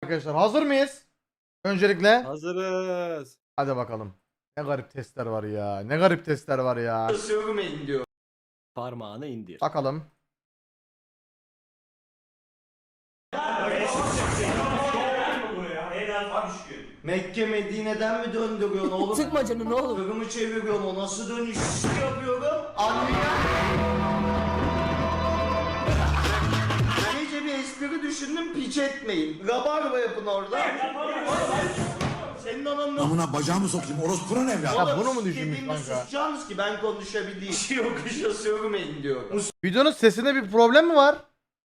arkadaşlar. Hazır mıyız? Öncelikle. Hazırız. Hadi bakalım. Ne garip testler var ya. Ne garip testler var ya. Sövmeyin diyor. Parmağını indir. Bakalım. Mekke Medine'den mi döndürüyorsun oğlum? Sıkma canını oğlum. Kırımı çeviriyorum, o nasıl dönüş yapıyorum? Anlayan. Gece bir espri düşündüm, piç etmeyin. Rabarba yapın orada. Senin ananı... Amına bacağımı sokayım orospunun evladı. Ya bunu mu düşünmüş Dediğimde kanka? susacaksınız ki ben konuşabileyim. Yokuşa sövmeyin diyorum. Videonun sesinde bir problem mi var?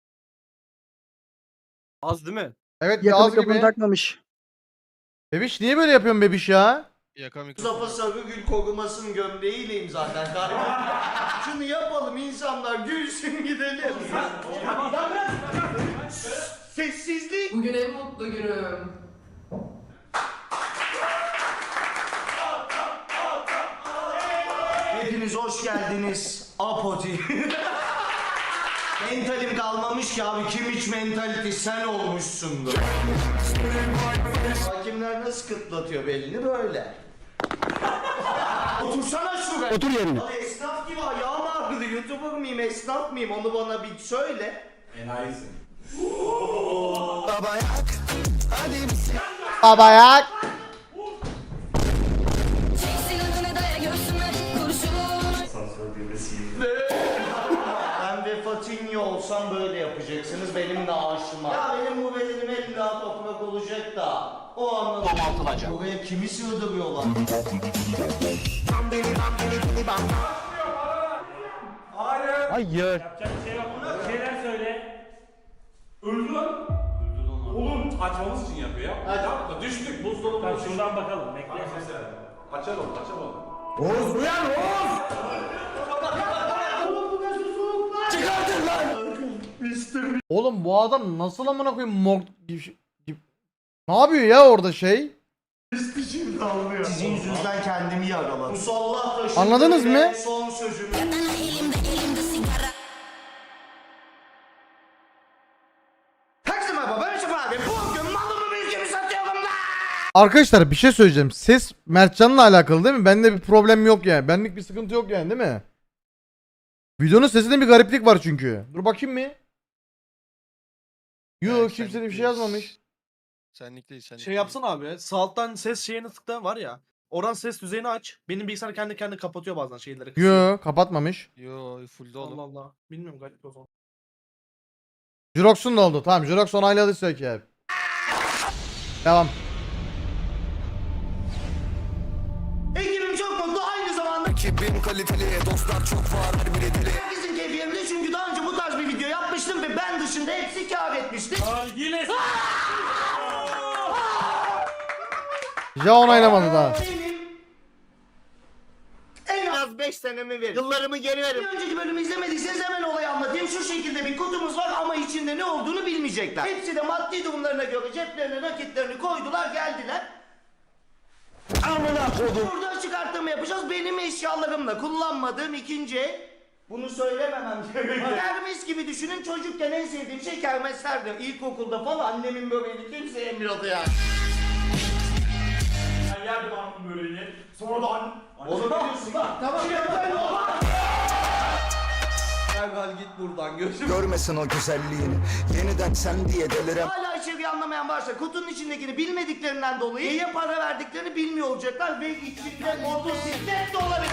Az değil mi? Evet bir Yakını az kapını gibi. takmamış. Bebiş niye böyle yapıyorsun bebiş ya? Mustafa Sarıgül korumasının gömleğiyleyim zaten kardeşim. Şunu yapalım, insanlar gülsün gidelim. Sessizlik. Bugün en mutlu günüm. Hepiniz hoş geldiniz. Apoti. Mentalim kalmamış ki abi, kim hiç mentality sen olmuşsundur. Hakimler nasıl kıtlatıyor belini böyle. Otursana şuraya. Otur yerine. Abi esnaf gibi ayağım ağrıdı. YouTuber mıyım, esnaf mıyım, onu bana bir söyle. Babayak. Ben ve Fatinho olsam böyle yapacaksınız benim de aşıma. Ya benim bu bedenim illa toprak olacak da o anlamda domaltılacak. Buraya kimi sığdırıyorlar? Hayır. Şeyler söyle. Öldü lan. Oğlum açmamız için yapıyor ya. Yapma düştük buzdolabı. Tamam şuradan bakalım bekle. Açalım açalım. Oğuz uyan Oğuz! Oğlum bu adam nasıl amına koyayım ne yapıyor ya orada şey? Sizin yüzünüzden kendimi yaraladım. Musallah taşı. Anladınız mı? Son sözümü. Herkese merhaba, ben Yusuf abi. Bugün malımı mülkümü satıyorum da. Arkadaşlar bir şey söyleyeceğim. Ses Mertcan'la alakalı değil mi? Bende bir problem yok yani. Benlik bir sıkıntı yok yani değil mi? Videonun sesinde bir gariplik var çünkü. Dur bakayım mı? Yok kimse de bir şey yazmamış. Senlik değil senlik Şey yapsana abi. Sağ alttan ses şeyini tıkla var ya. Oradan ses düzeyini aç. Benim bilgisayar kendi kendine kapatıyor bazen şeyleri. kısıyor. Yok kapatmamış. değil. Yo fullde oğlum. Allah Allah. Bilmiyorum garip o zaman. Jirox'un da oldu. Tamam Jirox onayladıysa ki abi. Devam. Ekibim çok mutlu, aynı zamanda ekibim kaliteli, dostlar çok var, her biri deli. Herkesin keyfi yerinde çünkü daha önce bu tarz bir video yapmıştım ve ben dışında hepsi kâr etmişti. Yine Ja onaylamadı daha. Benim en az 5 senemi verin. Yıllarımı geri verin. Bir önceki bölümü izlemediyseniz hemen olayı anlatayım. Şu şekilde bir kutumuz var ama içinde ne olduğunu bilmeyecekler. Hepsi de maddi durumlarına göre ceplerine nakitlerini koydular, geldiler. Amına kodum. Burada çıkartma yapacağız. Benim eşyalarımla kullanmadığım ikinci el. Bunu söylememem gerekiyor. Kermes gibi düşünün, çocukken en sevdiğim şey kermeslerdi. İlkokulda falan annemin böreğini kimse yemiyordu yani. ben yerdim anamın böreğini. Sonradan. Onu biliyorsun lan. Tamam ya. Derhal git buradan gözüm. Görmesin o güzelliğini. Yeniden sen diye delirem. Hala içeriği anlamayan varsa kutunun içindekini bilmediklerinden dolayı neye para verdiklerini bilmiyor olacaklar ve içinde motosiklet de olabilir.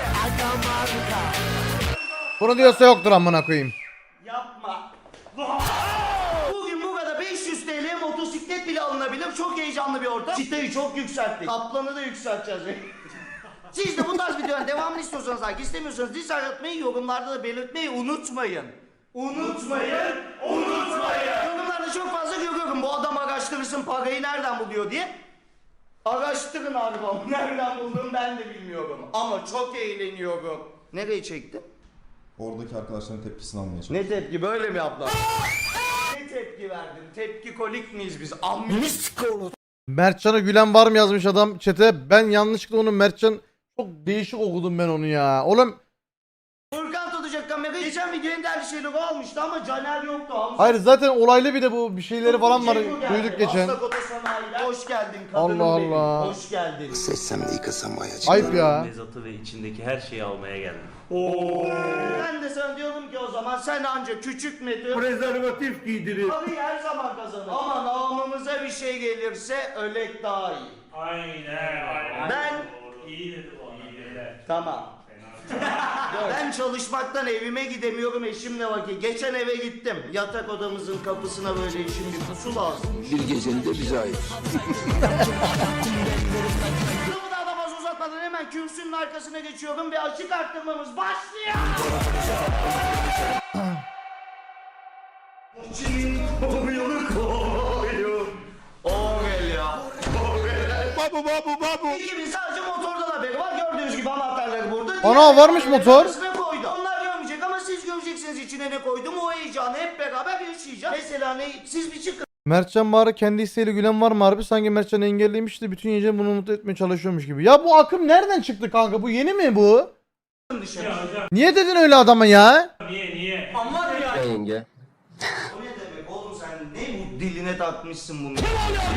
Bunu diyorsa yoktur amına koyayım. Yapma. Bugün burada 500 TL motosiklet bile alınabilir. Çok heyecanlı bir ortam. Çıtayı çok yükselttik. Kaplanı da yükselteceğiz. Siz de bu tarz videoların devamını istiyorsanız, like istemiyorsanız dislike atmayı, yorumlarda da belirtmeyi unutmayın. Unutmayın. Yorumlarda çok fazla görüyorum. Bu adam araştırırsın parayı nereden buluyor diye. Araştırın albüm. Nereden bulduğumu ben de bilmiyorum. Ama çok eğleniyorum. Nereye çektin? Oradaki arkadaşların tepkisini almaya çalışıyorum. Ne tepki, böyle mi yaptılar? Ne tepki verdin? Tepki kolik miyiz biz? Amminist kolu. Mertcan'a gülen var mı yazmış adam chat'e. Ben yanlışlıkla onu Mertcan çok değişik okudum ben onu ya. Oğlum Furkan tutacak kamerayı. Geçen videonun değerli şeyleri almıştı ama Caner yoktu. Hamza hayır zaten olaylı bir de bu bir şeyleri falan var Ceyhun geldi. duyduk geçen. Aslak Oto sana Ayla. Hoş geldin kadınım Allah benim. Allah. Hoş geldin. Seçsem de yıkasam ayacı. Ayıp ya. Mezatı ve içindeki her şeyi almaya geldim. Ben de sana diyorum ki o zaman sen anca küçük müdür? Prezervatif giydirir. Parayı her zaman kazanır. Ama namımıza bir şey gelirse ölek daha iyi. Aynen. Ben... İyi dedi o. İyi dedi. Tamam. Ben çalışmaktan evime gidemiyorum eşimle vakit. Geçen eve gittim. Yatak odamızın kapısına böyle eşim bir pusu lazım. Bir gecenin de bize ait. Lafı daha da fazla uzatmadan hemen kürsünün arkasına geçiyorum ve açık arttırmamız başlıyor. İçimin koyunu koyun. Orel ya. Babu. İkimiz sadece motordan haberi var. Gördüğünüz gibi anahtarları burada. Ana, varmış motor. Arasına koydu. Onlar görmeyecek ama siz göreceksiniz içine ne koydum. O heyecanı hep beraber yaşayacağız. Mesela ne? Siz bir çıkın Mertcan Bahar'a kendi isteğiyle gülen var mı harbi? Sanki Mertcan engelliymiş de bütün gece bunu mutlu etmeye çalışıyormuş gibi. Ya bu akım nereden çıktı kanka? Bu yeni mi bu? dışarı. Niye dedin öyle adama ya? Niye? Aman ya. Yenge. O ne demek oğlum sen ne bu diline takmışsın bunu?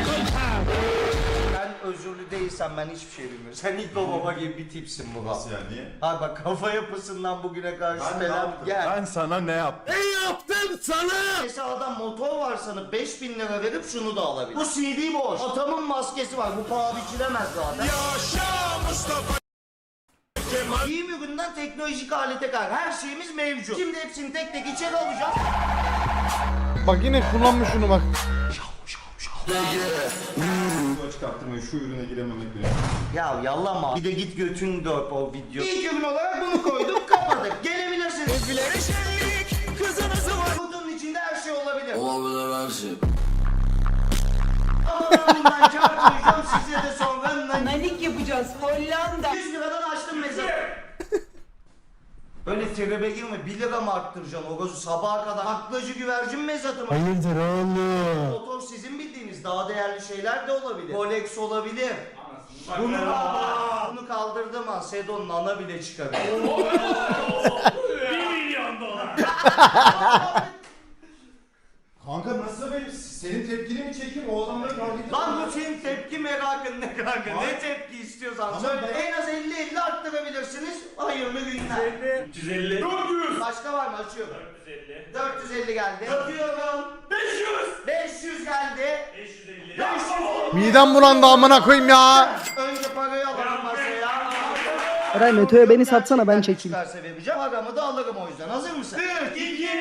Ben özürlü değilsem ben hiçbir şey bilmiyorum. Sen ilk o baba gibi bir tipsin bu. Nasıl yani? Niye? Ha bak kafa yapısından bugüne karşı falan gel. Ben sana ne yaptım? Mesela adam motor var sanıp 5.000 lira verip şunu da alabilir. Bu CD boş. Atamın maskesi var. Bu paha biçilemez zaten. Yaşa Mustafa Giyim ürününden teknolojik alete kadar her şeyimiz mevcut. Şimdi hepsini tek tek içeri alacağız. Bak yine kullanmış şunu bak. Bu açık arttırmayı şu ürüne girememek benim. Ya yallama. Bir de git götün dört o video. İlk ürün olarak bunu koyduk kapadık. Gelebilirsiniz. Kutunun içinde her şey olabilir. Olabilir her şey. Ama ben bundan kâr koyacağım size de sonra. Nanik yapacağız Hollanda. 100 liradan açtım mezarı. Öyle tribe girme 1 lira mı arttıracaksın o gözü sabaha kadar aklacı güvercin mezatı mı? Hayırdır oğlum? Motor sizin bildiğiniz daha değerli şeyler de olabilir. Rolex olabilir. Bunu kaldırdım ha Sedon'un ana bile çıkabilir. $1 milyon. Kanka nasıl benim? Senin tepkini mi çekeyim? O adamları kaldırdım. Lan bu senin tepki merakın ne kanka? Ne tepki istiyorsan Tamam, söyle. ben- En az 50-50 arttırabilirsiniz. Hayırlı günler. 350. 400. Başka var mı? Açıyorum. 450. 450 geldi. Atıyorum. 500. 500 geldi. 550. 500. Midem bulandı amına koyayım ya. Önce parayı alalım masaya. Eray Meto'ya beni satsana ben çekeyim. Çıkarsa vereceğim. Paramı da alırım o yüzden. Hazır mısın? 3, 2, 1.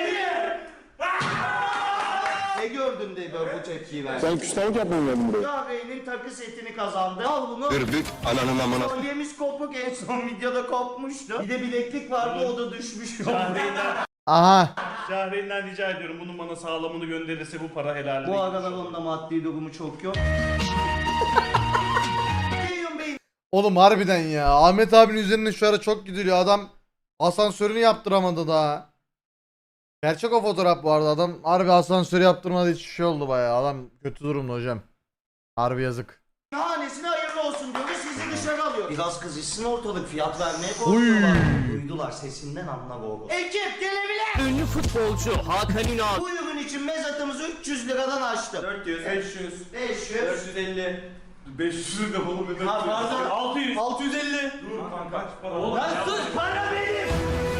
Ne gördün de böyle bu tepkiyi verdin? Sen küstahlık yapmaya geldin buraya. Kahve'nin takı setini kazandı. Al bunu. Gırbük ananın amına. Kolyemiz kopuk en son videoda kopmuştu. Bir de bileklik vardı o da düşmüş. Aha. Şahreyn'den rica ediyorum bunun bana sağlamını gönderirse bu para helal. Bu aralar onda maddi durumu çok yok. Ceyhun Bey Oğlum harbiden ya. Ahmet abinin üzerine şu ara çok gidiliyor. Adam asansörünü yaptıramadı daha. Gerçek o fotoğraf bu arada. Adam harbi asansörü yaptırmadı hiç şey oldu bayağı. Adam kötü durumda hocam. Harbi yazık. hanesine hayırlı olsun diyoruz sizi dışarı alıyor. Biraz kızışsın ortalık fiyat vermeye korkuyorlar. Duydular sesinden anla bu. Ekip gelebilir. Ünlü futbolcu Hakan Ünal. Bu ürün için mezatımızı 300 liradan açtım. 400, 500, 500. 450. 500 de bana bir Ha, pardon. 600. 650. Dur kanka kaç para? Oğlum Sus para benim.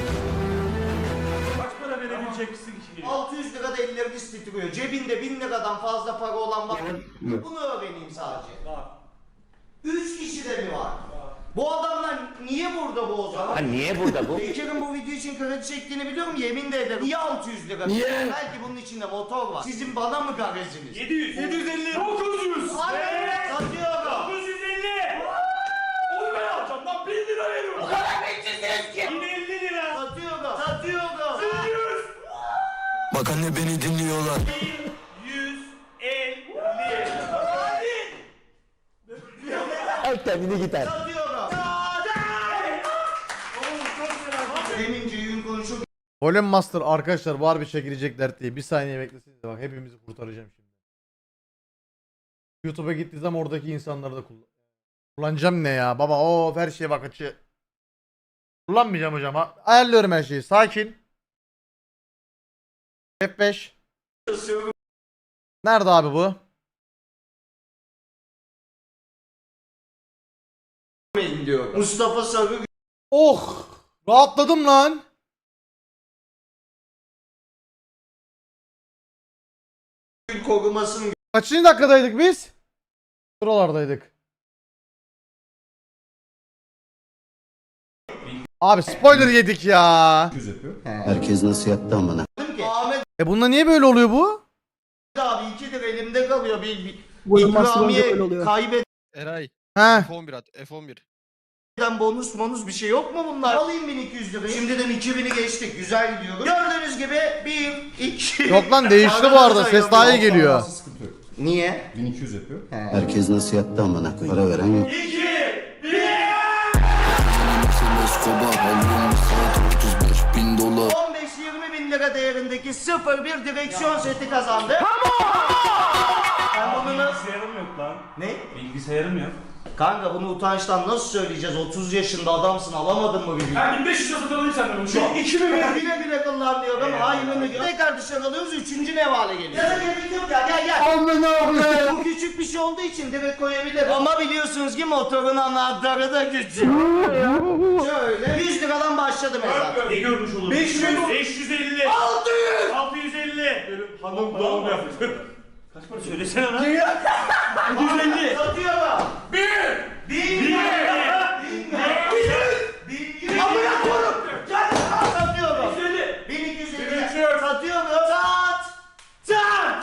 kaç para verebileceksin ki? 600 lira da elleriniz titriyor. Cebinde 1000 liradan fazla para olan var mı? Bunu öğreneyim sadece. Var. 3 kişi de mi var? Bu adamlar niye burada bu o zaman? Niye burada bu? Bekir'in bu video için kredi çektiğini biliyorum yemin de ederim. Niye 600 lira? Niye? Belki bunun içinde motor var. Sizin bana mı gareziniz? 700. 750. 900. Hayır, satıyorum. 950. Onu ben alacağım lan 1000 lira veriyorum. O kadar bekçisiniz ki. Yine 50 lira. Satıyorum. Satıyorum. 100. Bak anne beni dinliyorlar. 150. Al kendini gider. Satıyorum. Demin Ceyhun konuşup Golem Master arkadaşlar bu harbi çekilecekler diye. Bir saniye bekleseniz de bak hepimizi kurtaracağım şimdi. YouTube'a gittiği zaman oradaki insanları da kullanacağım ne ya baba o her şeye bak açı. Kullanmayacağım hocam. Ayarlıyorum her şeyi. Sakin. F5. Nerede abi bu? diyor. Mustafa Sarı Oh! Rahatladım lan. Gül korumasını Kaçıncı dakikadaydık biz? Buralardaydık. Abi spoiler yedik ya. Herkes nasıl yaptı amına? gördüm ki Ahmet Bunda niye böyle oluyor bu? abi 2'dir elimde kalıyor. Bir Vurulması önce öyle ikramiye oluyor. kaybeden Eray He. F11 at F11. bonus bir şey yok mu bunlar? Alayım 1200 lirayı. Şimdiden 2000'i geçtik. Güzel gidiyoruz. Gördüğünüz gibi 1, 2... Yok lan değişti bu arada. Ses daha iyi geliyor. Sıkıntı yok. Niye? 1200 yapıyor. Herkes nasıl yaptı amına koyayım? Para veren yok. 15-20 bin lira değerindeki 01 direksiyon seti kazandı. Sen bunu nasıl... Bilgisayarım yok lan. Ne? Bilgisayarım yok. Kanka bunu utançtan nasıl söyleyeceğiz? 30 yaşında adamsın, alamadın mı bir bilgi? Ben 1500 lira satın alayım senden şu an. 2000 güle güle kullanıyorum. Hayrını gör. Tekrar dışarı alıyoruz. 3. nevale geliyor. Ya da gerek yok ya. Gel. Bu küçük bir şey olduğu için direkt koyabilirim. Ama biliyorsunuz ki motorun anahtarı da küçük. Şöyle 100 liradan başladı mesela. Ne görmüş olur? 500, 550, 600, 650. Benim hanım doğum yaptı. Kaç para söylesene lan? 150. Satıyorum. 1. 1000 Amına koyayım. Gel satıyorum. 1250. Satıyorum. Sat.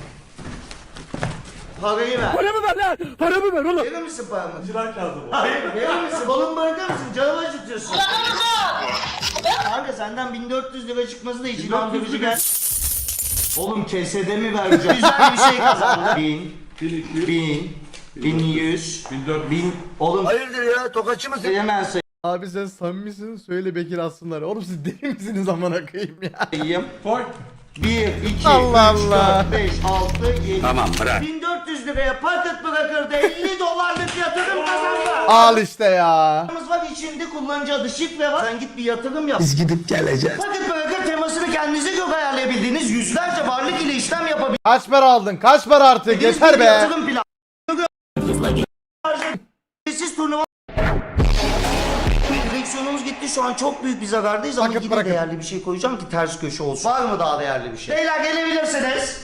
Parayı ver. Paramı ver lan! Paramı ver oğlum! Verir misin paramı? Çırak lazım o. Hayır, verir misin? Balon bırakır mısın? Canımı acıtıyorsun. Kanka senden 1400 lira çıkması da için andırıcı gel. Oğlum kesede mi vereceğim? Güzel bir şey kazandı. 1000, 1100, 1000. Oğlum Hayırdır ya? Tokatçı mısın? hemen Abi sen samimisin söyle Bekir aslınlar. Oğlum siz deli misiniz amına koyayım ya? sayayım. Koy. 1, 2, Allah 3, Allah. 4, 5, 6, 7. Tamam bırak. 1400 liraya paket bırakırdı. 50 dolarlık yatırım kazandı. Al işte ya. Var içinde kullanıcı adı şifre var. Sen git bir yatırım yap. Biz gidip geleceğiz. Paket bırakır temasını kendinize göre ayarlayabildiğiniz yüzlerce varlık ile işlem yapabildiğiniz Kaç para aldın? Kaç para artık? Yeter bir be. yatırım planı. Siz turnuva direksiyonumuz gitti, şu an çok büyük bir zarardayız ama Paket yine bırakın. değerli bir şey koyacağım ki ters köşe olsun. Var mı daha değerli bir şey? Beyler gelebilirsiniz.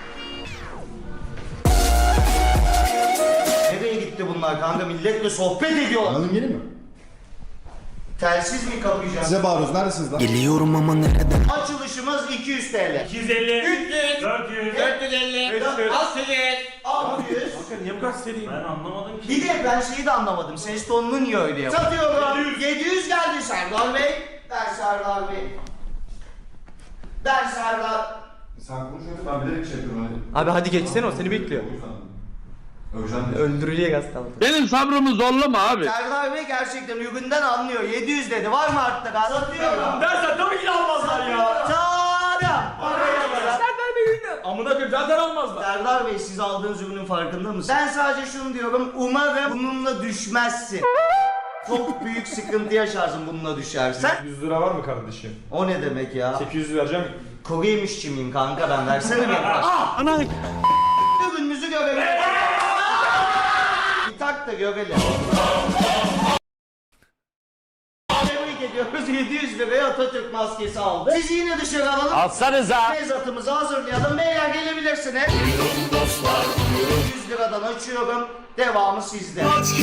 Nereye gitti bunlar kanka? Milletle sohbet ediyorlar. Anladın yeni mi? Telsiz mi kapayacağız? Size bağırıyoruz. Neredesiniz lan? Geliyorum ama nereden? Açılışımız 200 TL. 250, 300, 400, 450, 500, 600. Kanka niye bu kadar seriyim? Ben anlamadım ki. Bir de ben şeyi de anlamadım. Ses tonunu niye öyle yapıyor? Satıyorum. 700 geldi Serdar Bey. Der Serdar Bey. Der Serdar. Sen konuşuyorsun. Ben bilerek şey yapıyorum. Hani. Abi hadi geçsene o seni bekliyor. Öveceğim diye. Öldürücüye gaz kaldı. Benim sabrımı zorlama abi. Serdar Bey gerçekten üründen anlıyor. 700 dedi. Var mı arttı? Satıyorum. Dersen tabii ki de almazlar ya. Satıyorum. Amına koyayım zaten almazlar. Serdar Bey siz aldığınız ürünün farkında mısınız? Ben sadece şunu diyorum. Umarım bununla düşmezsin. Çok büyük sıkıntı yaşarsın bununla düşersen. 100 lira var mı kardeşim? O ne demek ya? 800 vereceğim. Kuru yemişçi miyim kanka ben? Versene benim. Ana! Ürünümüzü görelim. Bir tak da görelim. Tebrik ediyoruz. 700 liraya Atatürk maskesi aldı. Sizi yine dışarı alalım. Alsanıza! Mezatımızı hazırlayalım. Beyler gelebilirsiniz. 100 liradan açıyorum. Devamı sizde.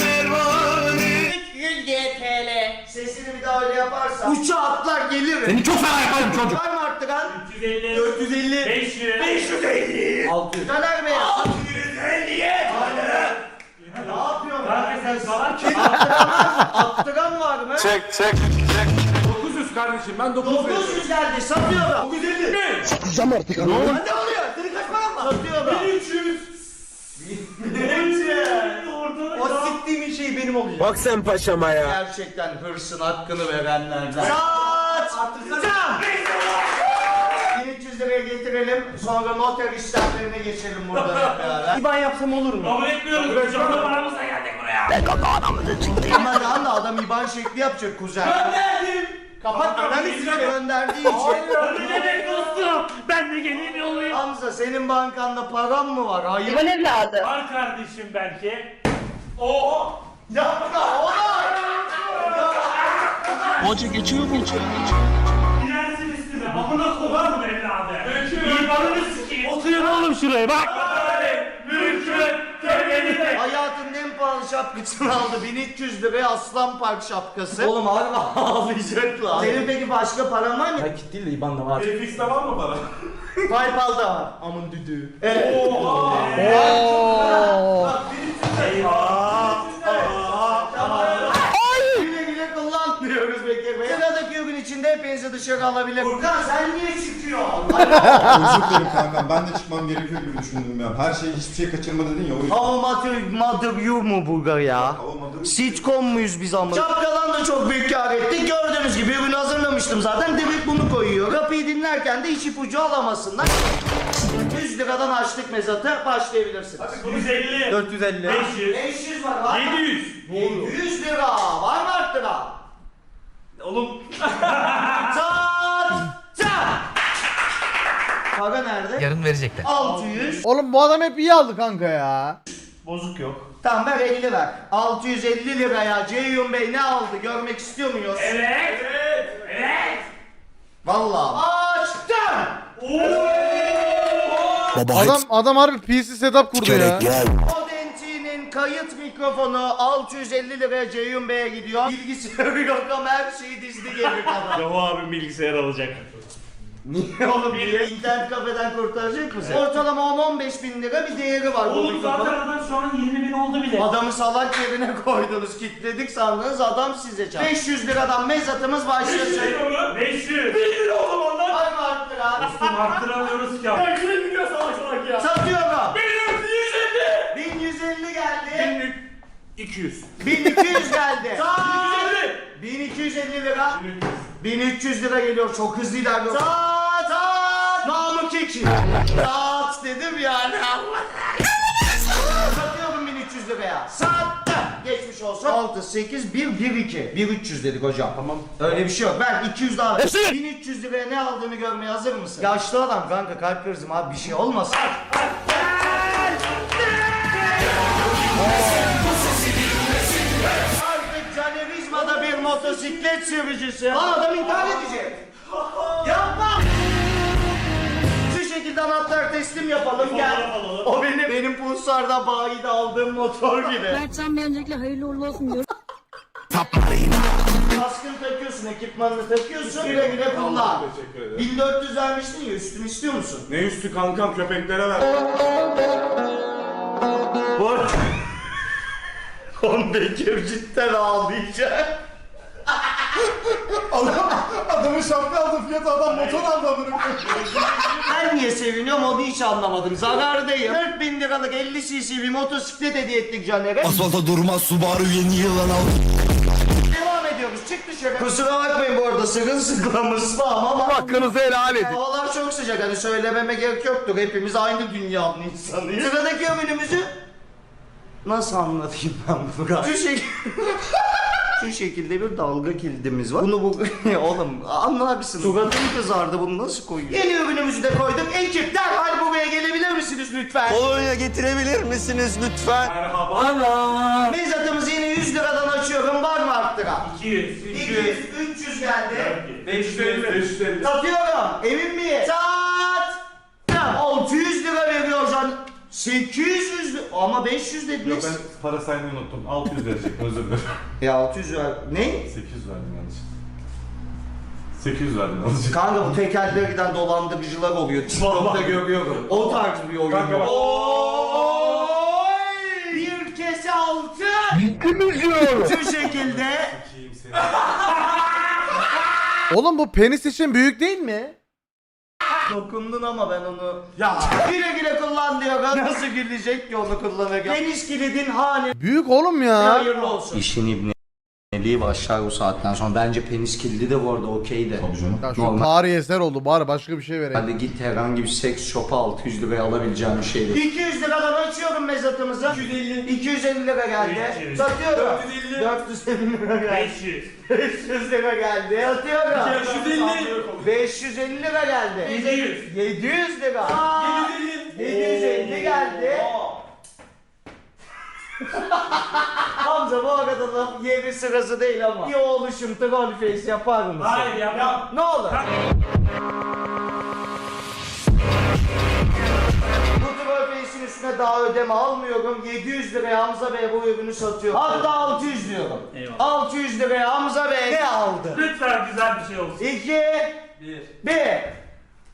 300 TL. Sesini bir daha öyle yaparsan uçağa atlar gelirim. Seni çok fena yaparım çocuk! Var mı arttıran? 350, 450. 500, 550, 600. Caner Bey. 650. Ne yapıyorsun? Kanka sen salak mısın? Attıran var mı? 900 kardeşim ben 900 veriyorum. 900 geldi. Satıyorum. 950. Satacağım artık ama. Ne oluyor? Senin kaç paran var? Satıyorum. 1300. O siktiğim şey benim olacak. Bak sen paşama ya. Gerçekten hırsın hakkını verenlerden. Sat! 1300 liraya getirelim. Sonra noter işlemlerine geçelim burada hep beraber. İban yapsam olur mu? Kabul etmiyoruz. Canlı paramızla geldik buraya. Ama daha da adam IBAN şekli yapacak kuzen. Gönderdim. Kapat ben size gönderdiği için. Ne demek dostum? Ben de geleyim yollayayım. Hamza senin bankanda param mı var? Hayır. evladı. Var kardeşim belki. Oo. Yapma oğlum. Hoca geçiyor mu? Gidersin üstüne. Amına kovar mı evladı? İmanını sikeyim. Oturun oğlum şuraya bak. Mümkün. Temelinde. Hayatımın en pahalı şapkasını aldı. 1300 liraya Aslan Park şapkası. Oğlum harbi ağlayacaklar. Senin peki başka paran var mı? Nakit değil de IBAN'da var. Fix'te var mı para? PayPal'da var. Amın düdüğü. Evet. Oo. Güle güle kullan diyoruz Bekir Bey. Sıradaki ürün içinde hepinizi dışarı alabilir. Furkan sen niye çıkıyorsun? Özür dilerim kankam. Ben de çıkmam gerekiyor gibi düşündüm ya. Her şey hiçbir şey kaçırma dedin ya o yüzden. Mother you mu Bulgar ya? Hava Sitcom muyuz biz ama? Şapkadan da çok büyük kar ettik. Gördüğünüz gibi ürünü hazırlamıştım zaten. Direkt bunu koyuyor. Kapıyı dinlerken de hiç ipucu alamasınlar. 100 liradan açtık mezatı. Başlayabilirsiniz. 150. 450. 500. 500 var. 700. 700 lira. Var mı arttıra? Oğlum. Çat! Para nerede? Yarın verecekler. 600. Oğlum bu adam hep iyi aldı kanka ya. Bozuk yok. Tamam ver 50 ver. 650 liraya Ceyhun Bey ne aldı görmek istiyor muyuz? Evet. Evet. Vallahi. Açtım. Adam harbi PC setup kurdu ya. Audenti'nin kayıt mikrofonu 650 liraya Ceyhun Bey'e gidiyor. Bilgisayarı yok ama her şeyi dizdi geri kadar. Yahu abi bilgisayar alacak. Niye oğlum? İnternet kafeden kurtaracak mısın? Ortalama 10-15 bin lira bir değeri var bu Oğlum zaten mikrofonun. adam şu an 20.000 oldu bile. Adamı salak yerine koydunuz, kilitledik sandınız, adam size çarptı. 500 liradan mezatımız başlasın. 500. 1 lira oğlum ondan. Var mı arttıra? Dostum arttıramıyoruz ki. Ya yine gidiyor salak salak ya. Satıyorum. 1150. 1150 geldi. 200. 1200 geldi. 150. 1250 lira. 1300 lira geliyor, çok hızlı ilerliyor. Saat saat. Namık Eki. Saat dedim yani. Satıyorum 1300 liraya. Sattım. Geçmiş olsun. 6, 8, 1, 1, 2. 1300 dedik hocam. Tamam. Öyle bir şey yok. Ben 200 daha. 1300 liraya ne aldığını görmeye hazır mısın? Yaşlı adam kanka, kalp krizim abi, bir şey olmasın. Artık Canerizma'da bir motosiklet sürücüsü. Lan adam intihar edecek. Yapma. Şu şekilde anahtar teslim yapalım, gel. O benim Pulsar'da bayide aldığım motor gibi. Mertcan Bey öncelikle hayırlı uğurlu olsun diyorum. Kaskını takıyorsun, ekipmanını takıyorsun, güle güle kullan. Teşekkür ederim. 1400 vermiştin ya, üstünü istiyor musun? Ne üstü kankam, köpeklere ver. Bu Kon Bekir cidden ağlayacak. Adamın şapka aldı fiyatı adam motor aldı adamın. Ben niye seviniyorum onu hiç anlamadım. Zarardayım. 4000 liralık 50 cc bir motosiklet hediye ettik Caner'e. Asfalta durmaz Subaru yeni yılan al. Devam ediyoruz. Çık dışarı. Kusura bakmayın bu arada, sırılsıklamız ama Hakkınızı helal edin. havalar çok sıcak, hani söylememe gerek yoktur. Hepimiz aynı dünyanın insanıyız. Sıradaki ürünümüzü nasıl anlatayım ben bunu? Şu şekilde bir dalga kilidimiz var. Bunu oğlum anlarsın. Suratım kızardı, bunu nasıl koyuyor? Yeni ürünümüzü de koyduk. Ekip derhal buraya gelebilir misiniz lütfen? Kolonya getirebilir misiniz lütfen? Merhaba. Mezatımızı yine 100 liradan açıyorum. Var mı arttıra? 200. 200, 300 geldi. 550. 550. Satıyorum. Emin miyim? Sat. 600 lira veriyor can. 800 lira. Ama 500 dediniz. para saymayı unuttum. 600 verecek özür dilerim. Ya 600 ver. Ne? 800 verdim yanlış. 800 verdim yanlış. Kanka bu tekerlere giden dolandırıcılar oluyor. TikTok'ta görüyorum. O tarz bir oyun. Kanka bak. Oy! Bir kese altın. Şu şekilde. Oğlum bu penis için büyük değil mi? Dokundun ama ben onu... Ya güle güle kullan diyor. Nasıl gülecek ki onu kullanırken? Deniz kilidin hali. Büyük oğlum ya. Hayırlı olsun. İşin ibneliği başlar bu saatten sonra. Bence penis kilidi de bu arada okey de. Tabii canım. Ya şu Normal. tarihi eser oldu, bari başka bir şey vereyim. Hadi git herhangi bir seks shop'a 600 liraya alabileceğim bir şeydi. 200 liradan açıyorum mezatımızı. 250 lira geldi. 300. Satıyorum. 450. 450 lira geldi. 500. 500 lira geldi. Satıyorum. 550. 550 lira geldi. 700. 700 lira. 750 geldi. Hamza bu arada da yeri sırası değil ama. Bir oluşum troll face yapar mısın? Hayır yapmam. Ne olur. Bu troll face'in üstüne daha ödeme almıyorum. 700 liraya Hamza Bey bu ürünü satıyor. Hatta 600 diyorum. Eyvallah. 600 liraya Hamza Bey ne aldı? Lütfen güzel bir şey olsun. 2 Bir. 1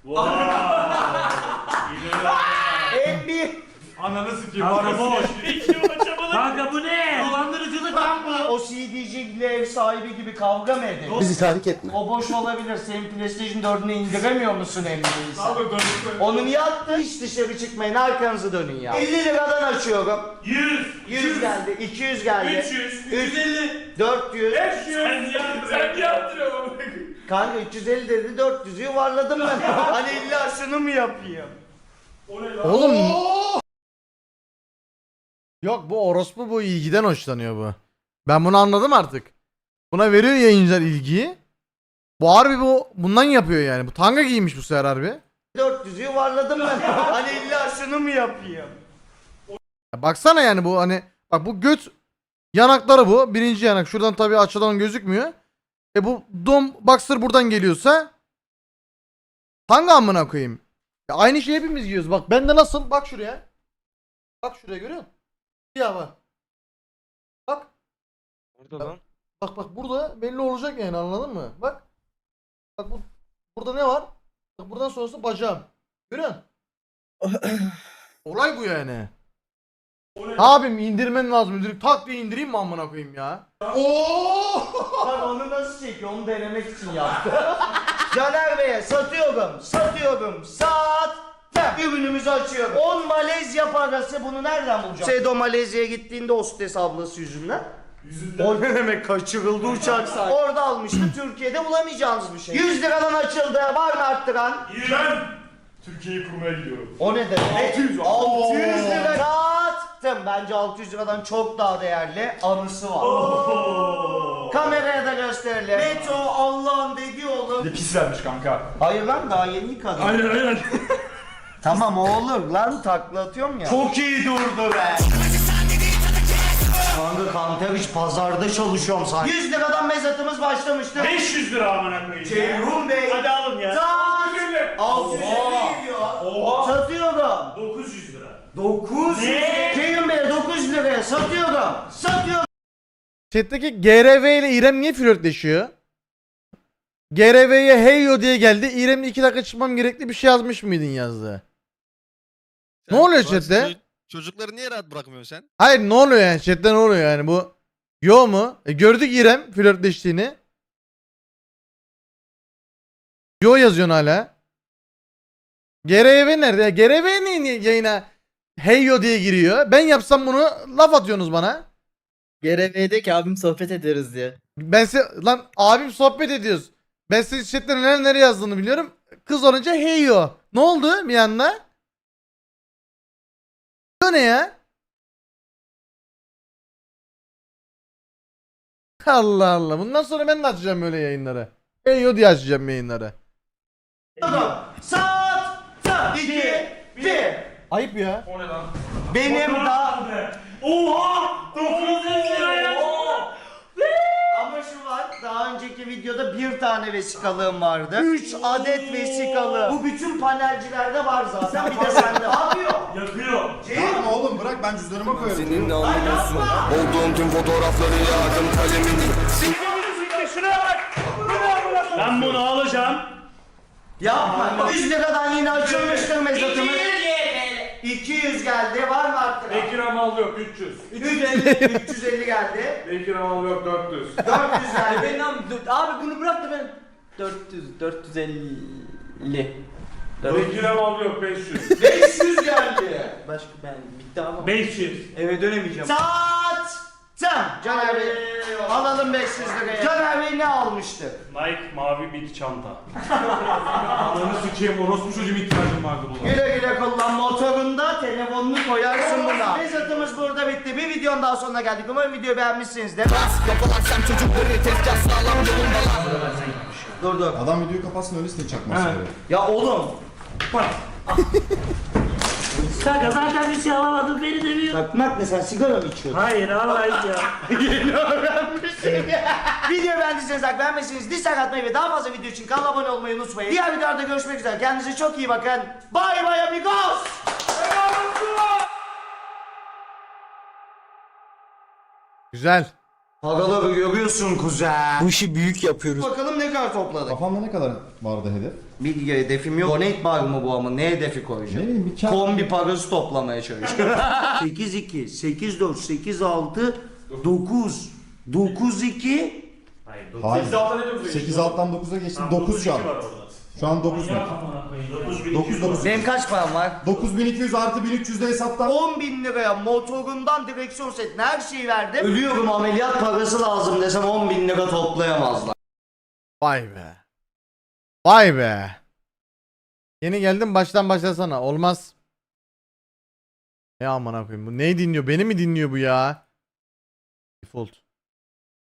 En bir Ananı sikeyim. Kanka boş. Kanka bu ne? Dolandırıcılık lan bu. o CD'ciyle ev sahibi gibi kavga mı edin? Bizi tahrik etme. O boş olabilir. Senin PlayStation 4'ünü indiremiyor musun emniyeyse? Onu niye attın? Hiç dışarı çıkmayın. Arkanızı dönün ya. 50 liradan açıyorum. 100. 100 geldi. 200 geldi. 300. 350. 400. 500. Sen yaptırıyorsun. Kanka 350 dedi 400'ü yuvarladım ben. Hani illa şunu mu yapayım? O ne lan? Oğlum. Yok bu orospu bu ilgiden hoşlanıyor bu. Ben bunu anladım artık. Buna veriyor yayıncılar ilgiyi. Bu harbi bundan yapıyor yani. Bu tanga giymiş bu sefer harbi. 400'ü yuvarladım ben. Hani illa şunu mu yapayım? Ya baksana yani bu hani bak bu göt yanakları bu. Birinci yanak. Şuradan tabii açıdan gözükmüyor. Bu dom boxer buradan geliyorsa tanga amına koyayım. Ya aynı şeyi hepimiz giyiyoruz. Bak bende nasıl? Bak şuraya. Bak şuraya görüyor musun? Ya bak. Bak. Orada lan. Bak burada belli olacak yani anladın mı? Bak. Bak burada ne var? Bak buradan sonrası bacağım. Görüyor musun? Olay bu yani. Abim indirmen lazım. Direkt tak diye indireyim mi amına koyayım ya? Bak onu nasıl çekiyor? Onu denemek için yaptı. Caner Bey'e satıyorum. Sattım. Ürünümüzü açıyorum. 10 Malezya parası bunu nereden bulacağım? Sedo Malezya'ya gittiğinde hostes ablası yüzünden. O ne demek kaçırıldı uçak sahibi. Orada almıştı. Türkiye'de bulamayacağınız bir şey. 100 liradan açıldı. Var mı arttıran? Ben Türkiye'yi kurmaya gidiyorum. O ne demek? 600 lira. Sattım. Bence 600 liradan çok daha değerli anısı var. Kameraya da gösterelim. Meto Allah'ın dediği oğlum. Bir pis vermiş kanka. Hayır lan daha yeni yıkadım. Aynen. Tamam o olur lan takla atıyorum ya. Çok iyi durdu be. Kanka kanka hiç pazarda çalışıyorum sanki. 100 liradan mezatımız başlamıştı. 500 lira amına koyayım. Ceyhun Bey. Hadi alın ya. Saat 650 geliyor. Satıyorum. 900 lira. 900. Ne? Ceyhun Bey 900 liraya satıyorum. Satıyorum. Chat'teki GRV ile İrem niye flörtleşiyor? GRV'ye heyo diye geldi. İrem'le 2 dakika çıkmam gerekli bir şey yazmış mıydın yazdı. Ne oluyor chatte? Çocukları niye rahat bırakmıyorsun sen? Hayır ne oluyor yani chatte ne oluyor yani bu? Yo mu? Gördük İrem flörtleştiğini. Yo yazıyorsun hala. GRV nerede? GRV niye yayına heyo diye giriyor? Ben yapsam bunu laf atıyorsunuz bana. GRV'deki abim sohbet ederiz diye. Ben lan abim sohbet ediyoruz. Ben size chatte nereye yazdığını biliyorum. Kız olunca heyo. Ne oldu bir anda? Bu ne ya? Allah Allah. Bundan sonra ben de açacağım böyle yayınları. Heyo diye açacağım yayınları. Saat 2 1. Ayıp ya. O ne lan? Benim da Oha! 900 lira ya. ama şu var. Daha önceki videoda bir tane vesikalığım vardı. 3 adet vesikalı. Bu bütün panelcilerde var zaten. Bir de sende. Ne yapıyor? Yakıyor. Yapma oğlum bırak ben cüzdanıma koyarım. Seninle anlıyorsun. Olduğum tüm fotoğrafları yağdım kalemini. Şuraya bak. Ben bunu alacağım. Yapma. 100 liradan yine açılmıştır mezatımız. 200 geldi. Var mı arttıran? Bekir Amal yok 300. 350 geldi. Bekir Amal yok 400. 400 geldi. Abi bunu bırak da ben 450. Bekir Amal yok 500. 500 geldi. Başka ben bitti ama. 500. Eve dönemeyeceğim. Saat. Caner Bey. Alalım 500 liraya. Caner Bey ne almıştı? Nike mavi bir çanta. Ananı sikeyim orospu çocuğum ihtiyacım vardı buna. Güle güle kullan motorunda telefonunu koyarsın buna. Mezatımız burada bitti. Bir videonun daha sonuna geldik. Umarım videoyu beğenmişsinizdir. Dur. Adam videoyu kapatsın öylesine çakması. Ya oğlum. Bak. Kanka zaten bir şey alamadın beni demiyor. Takmak ne, sen sigara mı içiyorsun? Hayır Allah ya. Yeni öğrenmişim ya. Video beğendiyseniz like, beğenmezseniz dislike atmayı ve daha fazla video için kanala abone olmayı unutmayın. Diğer videolarda görüşmek üzere. Kendinize çok iyi bakın. Bye bye amigos. Güzel. Paraları görüyorsun kuzen. Bu işi büyük yapıyoruz. Bakalım ne kadar topladık. Kafamda ne kadar vardı hedef? Bir hedefim yok. Donate bar mı bu ama? Ne hedefi Ne koyacağım? bileyim bir kağıt. Kombi parası toplamaya çalışıyorum. 8-2, 8-4, 8-6, 9, 9-2. Hayır. 8 alttan ne diyorsun? 8 alttan 9'a geçtim. 9 şu an. Şu an 9 mu? 9. Benim kaç param var? 9200 artı 1300 de hesaptan. 10.000 liraya motorundan direksiyon setine her şeyi verdim. Ölüyorum, ameliyat parası lazım desem 10.000 lira toplayamazlar. Vay be. Vay be. Yeni geldim, baştan başlasana. Olmaz. Ne amına koyayım, bu neyi dinliyor? Beni mi dinliyor bu ya? Default.